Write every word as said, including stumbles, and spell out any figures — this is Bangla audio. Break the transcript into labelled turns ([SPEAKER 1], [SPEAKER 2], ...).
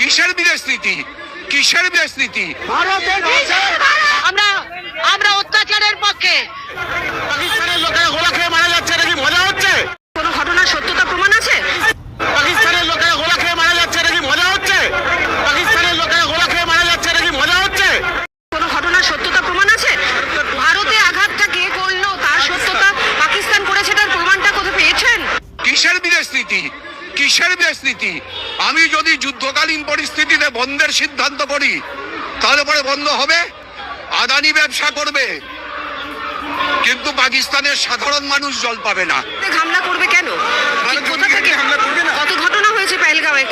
[SPEAKER 1] কিসের বিদেশ নীতি? কিসের বিদেশ নীতি?
[SPEAKER 2] আমরা আমরা অত্যাচারের পক্ষে।
[SPEAKER 3] পাকিস্তানের লোকেরা গোলা খেয়ে মারা যাচ্ছে, এটা কি মজা হচ্ছে?
[SPEAKER 2] কোনো ঘটনার সত্যতা প্রমাণ আছে?
[SPEAKER 3] পাকিস্তানের লোকেরা গোলা খেয়ে মারা যাচ্ছে, এটা কি মজা হচ্ছে? পাকিস্তানের লোকেরা গোলা খেয়ে মারা যাচ্ছে, এটা কি মজা হচ্ছে?
[SPEAKER 2] কোনো ঘটনার সত্যতা প্রমাণ আছে? ভারতে আঘাতটা কে করলো তার সত্যতা পাকিস্তান করেছে, তার প্রমাণটা কোথায় পেয়েছেন?
[SPEAKER 1] কিসের বিদেশ নীতি? কিসের বিদেশ নীতি? আমি যদি যুদ্ধকালীন পরিস্থিতিতে বন্ধের সিদ্ধান্ত করি তাহলে পরে বন্ধ হবে, আদানি ব্যবসা করবে, কিন্তু পাকিস্তানের সাধারণ মানুষ জল পাবে না।
[SPEAKER 2] হামলা করবে কেন? কোথা থেকে?
[SPEAKER 3] হামলা করবে না।
[SPEAKER 2] কত ঘটনা হয়েছে পেহেলগাঁওয়ে,